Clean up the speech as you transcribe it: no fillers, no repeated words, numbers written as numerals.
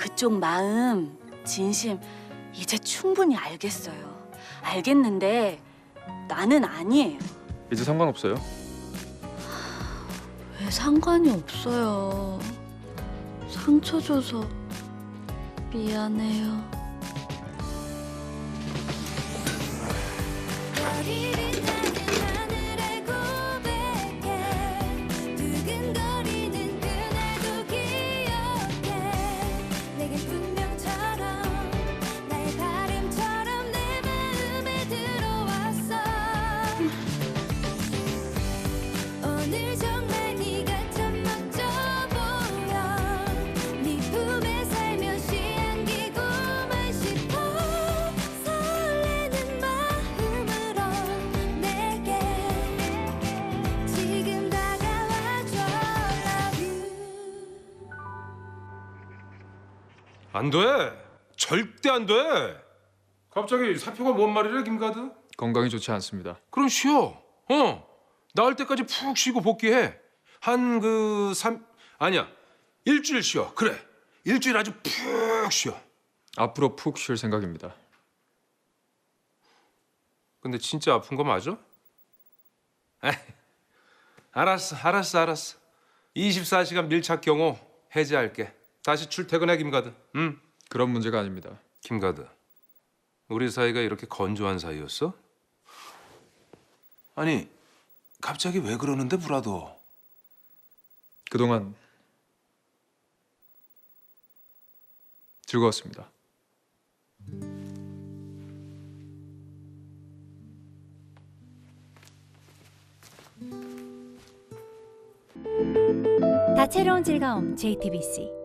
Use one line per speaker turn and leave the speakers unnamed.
그쪽 마음, 진심 이제 충분히 알겠어요. 알겠는데 나는 아니에요.
이제 상관없어요.
왜 상관이 없어요. 상처 줘서 미안해요.
안 돼. 절대 안 돼. 갑자기 사표가 뭔 말이래, 김가드?
건강이 좋지 않습니다.
그럼 쉬어. 나을 때까지 푹 쉬고 복귀해. 아니야. 일주일 쉬어. 그래. 일주일 아주 푹 쉬어.
앞으로 푹 쉴 생각입니다.
근데 진짜 아픈 거 맞아? 에이, 알았어. 24시간 밀착 경호 해제할게. 다시 출퇴근해, 김가드. 응?
그런 문제가 아닙니다.
김가드, 우리 사이가 이렇게 건조한 사이였어? 아니, 갑자기 왜 그러는데, 브라더?
그동안 즐거웠습니다.
다채로운 즐거움 JTBC